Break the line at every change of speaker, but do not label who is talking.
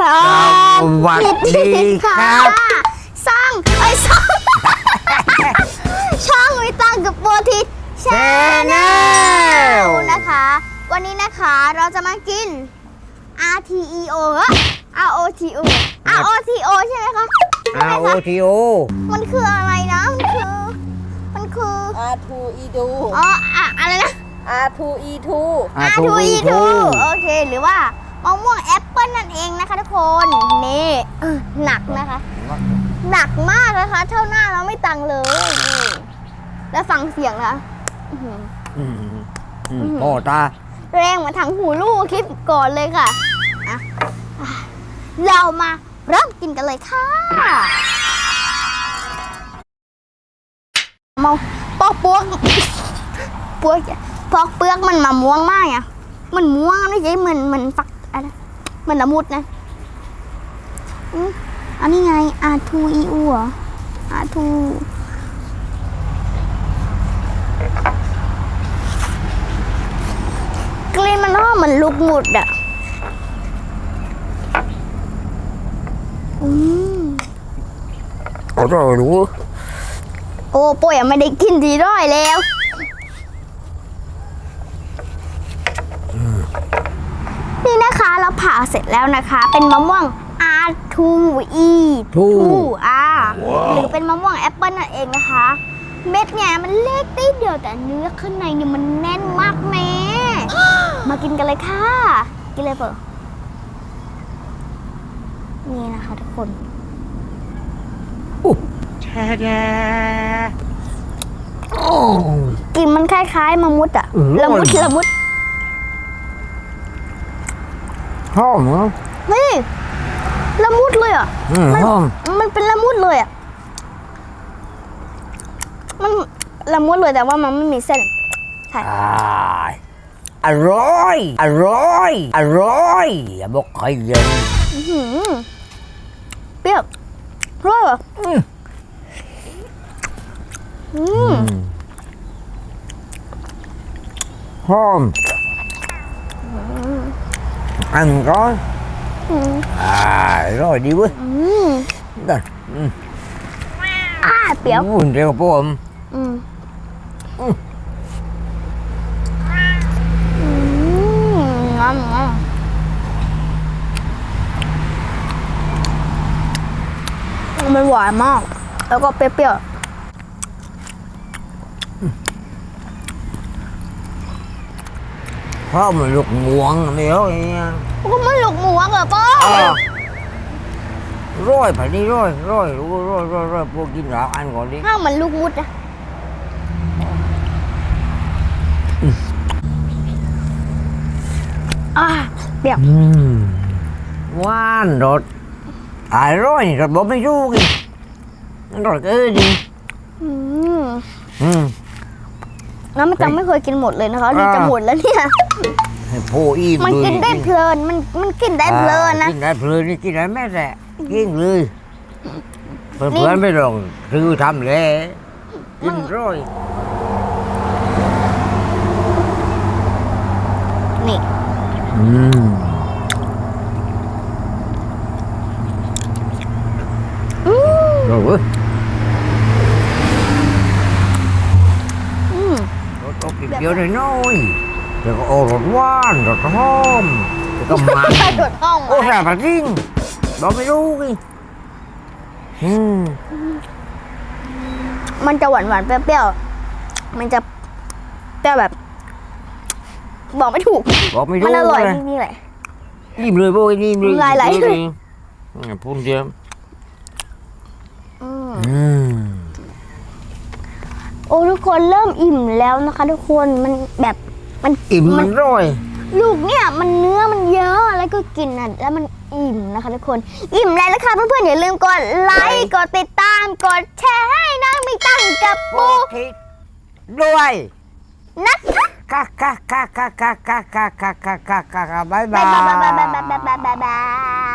วัสดีครับ
ช่องวิตังกับโบทิชแชนแนลนะคะ วันนี้นะคะเราจะมากิน RTEO ROTO ROTO ใช่ไหมคะ
ROTO
มันคืออะไรนะมันคือ
R2E2
อ๋ออะไรนะ
R2E2
R2E2 โอเคหรือว่ามะม่วงแอปเปิ้ลนั่นเองนะคะทุกคนนี่หนักนะคะ หนักมากนะคะเท่าหน้าเราไม่ตังเลยนี่แล้วฟังเสียงนะ
พ่อตา
แรงเหมือนถังหูลูกคลิปก่อนเลยค่ะอ่ะเรามาเริ่มกินกันเลยค่ะมองปอกเปลือกปอกเปลือกมันมาม่วงมากอ่ะมันม่วงไม่ใช่เหมือนฝักอะไรเหมือนละมุดนะอันนี้ไง R2EU เหรอ R2 กลิ่นมันหอมเหมือนลูกหมุดอ่ะ
อร่อยรู้
โอ้ป่วยไม่ได้กินทีร้อยแล้วนี่นะคะเราผ่าเสร็จแล้วนะคะ เป็นมะม่วง R2E2 หรือเป็นมะม่วงแอปเปิ้ลนั่นเองนะคะ เม็ดเนี่ยมันเล็กนิดเดียวแต่เนื้อข้างในเนี่ยมันแน่นมากแม่มากินกันเลยค่ะกินเลยเปล่านี่นะคะทุกคนกลิ่นมันคล้ายๆมะมุดอะละมุด
หอมเหรอ
นี่ละมุดเลยอ่ะ
หอม
มันเป็นละมุดเลยอ่ะมันละมุดเลยแต่ว่ามันไม่มีเส้นใช่
อร่อยอย่าบอกใครเย็น
เปรี้ยวร้อยเหรอ
หอมăn có rồi đi với rồi
เปรี้ยว
เดี๋ยวพ่อม
มันหวานมากแล้วก็เปรี้ยว
เพราะมันลูกม่วงไม่เอาไง
ก็มันลูกหมูเหรอป้า
ร้อยผ่านนี้ร้อยพวกกินหลังอันก่อนดิ
ข้าวมันลูกมุดนะเปรี้ยว
หวานรสอร่อยรสบอกไม่รู้กินรสดิ
น้ำไม่จำไม่เคยกินหมดเลยนะคะนี่จะหมดแล้วเนี่ย
โอ้ย
มันกินได้เพลินมันกินได้เพลินนะ
กินได้เพลินนี่กินได้แม่แหละกินเลยเพื่อนไม่ลองคือทำเลยกินร้อย
นี่
rồi ơi có kịp vô đây nói rồi có ô rột quan rồi có hôm rồi có mặn ô sao phải riêng đó mớiรู้đi
มันจะหวานเปรี้ยวๆมันจะเปรี้ยวแบบบอกไม่ถูกมันอร่อยจริงๆแหละ
นิ่มเลยโว้ยนิ่มเลย
ลายไหลเลย
พูดเดียว
โอ้ทุกคนเริ่มอิ่มแล้วนะคะทุกคนมันแบบมัน
อิ่มมันร่อย
ลูกเนี่ยมันเนื้อมันเยอะแล้วก็กินอ่ะแล้วมันอิ่มนะคะทุกคนอิ่มแล้วนะคะเพื่อนๆอย่าลืมกดไลค์กดติดตามกดแชร์ให้น้องมีตังกับปู
ด้วย
นะคะ
บ๊ายบาย
บาย